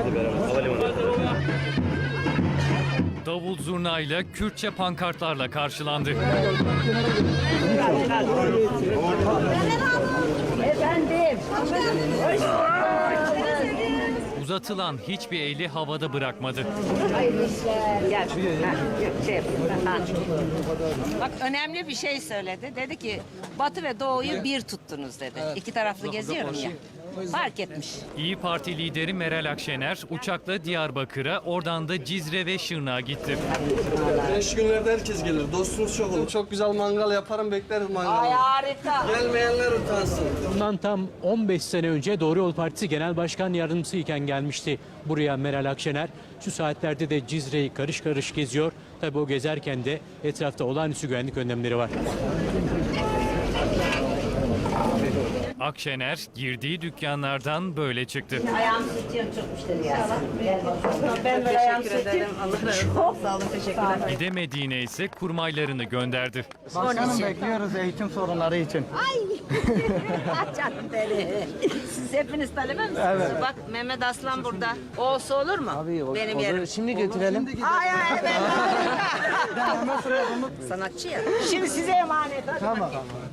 Davul zurnayla, Kürtçe pankartlarla karşılandı. Efendim. Uzatılan hiçbir eli havada bırakmadı. Gel. Bak önemli bir şey söyledi. Dedi ki Batı ve Doğu'yu bir tuttunuz dedi. İki taraflı geziyorum ya. Fark etmiş. İyi Parti lideri Meral Akşener uçakla Diyarbakır'a, oradan da Cizre ve Şırnak'a gitti. 5 günlerde herkes gelir. Dostunuz çok olur. Çok güzel mangal yaparım, bekleriz mangalı. Ay harika. Gelmeyenler utansın. Bundan tam 15 sene önce Doğru Yol Partisi Genel Başkan Yardımcısı iken gelmişti buraya Meral Akşener. Şu saatlerde de Cizre'yi karış karış geziyor. Tabii o gezerken de etrafta olağanüstü güvenlik önlemleri var. Akşener girdiği dükkanlardan böyle çıktı. Ayağımı tutuyorum çok müşteri ya. Ben de Teşekkür ederim. Allah razı olsun. Sağ olun, teşekkürler. Gidemediğine ise kurmaylarını gönderdi. Başkanım bekliyoruz eğitim sorunları için. Canım beni. Siz hepiniz talebe misiniz? Evet. Bak Mehmet Aslan burada. O olsa olur mu? Benim yerim. Şimdi götürelim. Ay ay ben. Sanatçı ya. Şimdi size emanet. Tamam.